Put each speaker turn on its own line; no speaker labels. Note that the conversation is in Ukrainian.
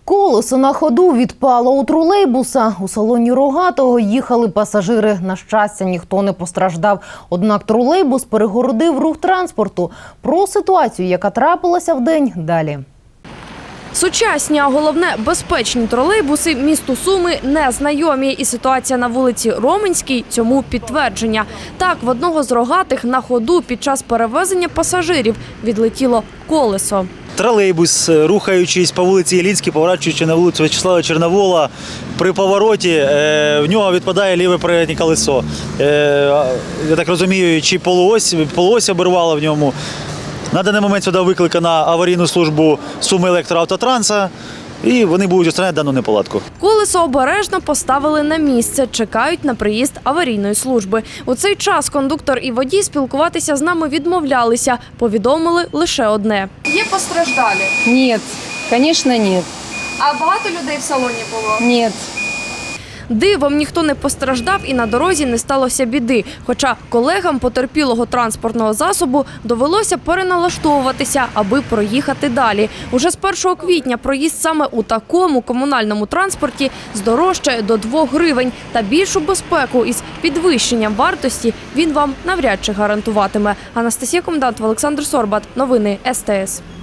Колесо на ходу відпало у тролейбуса. У салоні Рогатого їхали пасажири. На щастя, ніхто не постраждав. Однак тролейбус перегородив рух транспорту. Про ситуацію, яка трапилася вдень, далі.
Сучасні, а головне – безпечні тролейбуси місту Суми не знайомі. І ситуація на вулиці Роменській цьому підтвердження. Так, в одного з Рогатих на ходу під час перевезення пасажирів відлетіло колесо.
Тролейбус, рухаючись по вулиці Іллінській, поворачуючи на вулицю В'ячеслава Чорновола, при повороті в нього відпадає ліве переднє колесо. Я так розумію, чи полуось обірвало в ньому. На даний момент сюди викликана аварійну службу Сумиелектроавтотранса, і вони будуть устраняти дану неполадку.
Колесо обережно поставили на місце, чекають на приїзд аварійної служби. У цей час кондуктор і водій спілкуватися з нами відмовлялися. Повідомили лише одне.
Є постраждалі?
Нет, конечно, нет.
А багато людей в салоні було?
Нет.
Дивом ніхто не постраждав і на дорозі не сталося біди. Хоча колегам потерпілого транспортного засобу довелося переналаштовуватися, аби проїхати далі. Уже з 1 квітня проїзд саме у такому комунальному транспорті здорожчає до 2 гривень. Та більшу безпеку із підвищенням вартості він вам навряд чи гарантуватиме. Анастасія Комендант, Олександр Сорбат. Новини СТС.